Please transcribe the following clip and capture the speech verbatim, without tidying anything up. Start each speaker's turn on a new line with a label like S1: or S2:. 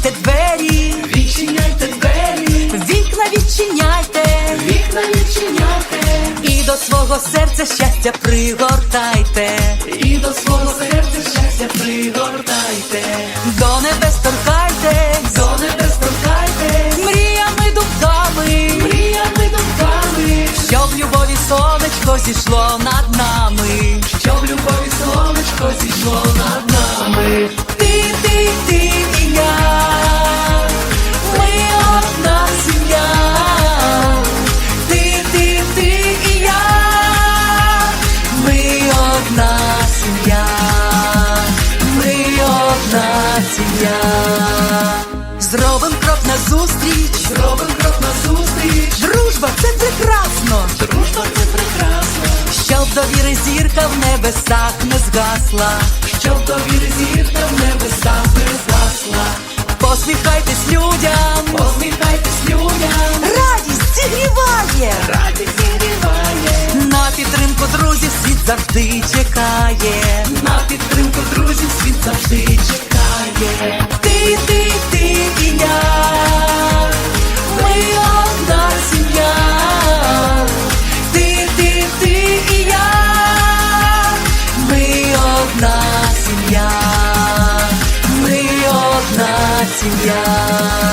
S1: відчиняйте двері,
S2: відчиняйте двері,
S1: вікна відчиняйте,
S2: вікна відчиняйте,
S1: і до свого серця щастя пригортайте,
S2: і до свого серця щастя пригортайте,
S1: до небес торкайтесь,
S2: до небес торкайте,
S1: мріями думками,
S2: мріями думками,
S1: щоб любові сонечко зійшло над нами,
S2: щоб любові сонечко зійшло над нами.
S1: ти, ти, ти і я, ми одна сім'я, ти, ти, ти і я, ми одна сім'я, ми одна сім'я. Зробим крок назустріч,
S2: Зробим крок назустріч,
S1: дружба це прекрасно,
S2: дружба це прекрасно,
S1: щоб довіри зірка в небесах не згасла,
S2: щоб довіри зірка в небесах не згасла.
S1: посміхайтесь людям,
S2: Посміхайтесь людям,
S1: радість зігріває,
S2: радість зігріває,
S1: на підтримку друзів світ завжди чекає,
S2: на підтримку друзів світ завжди чекає.
S1: ти, ти, ти і я, ми одна сім'я, ти, ти, ти і я, ми одна сім'я, ми одна сім'я.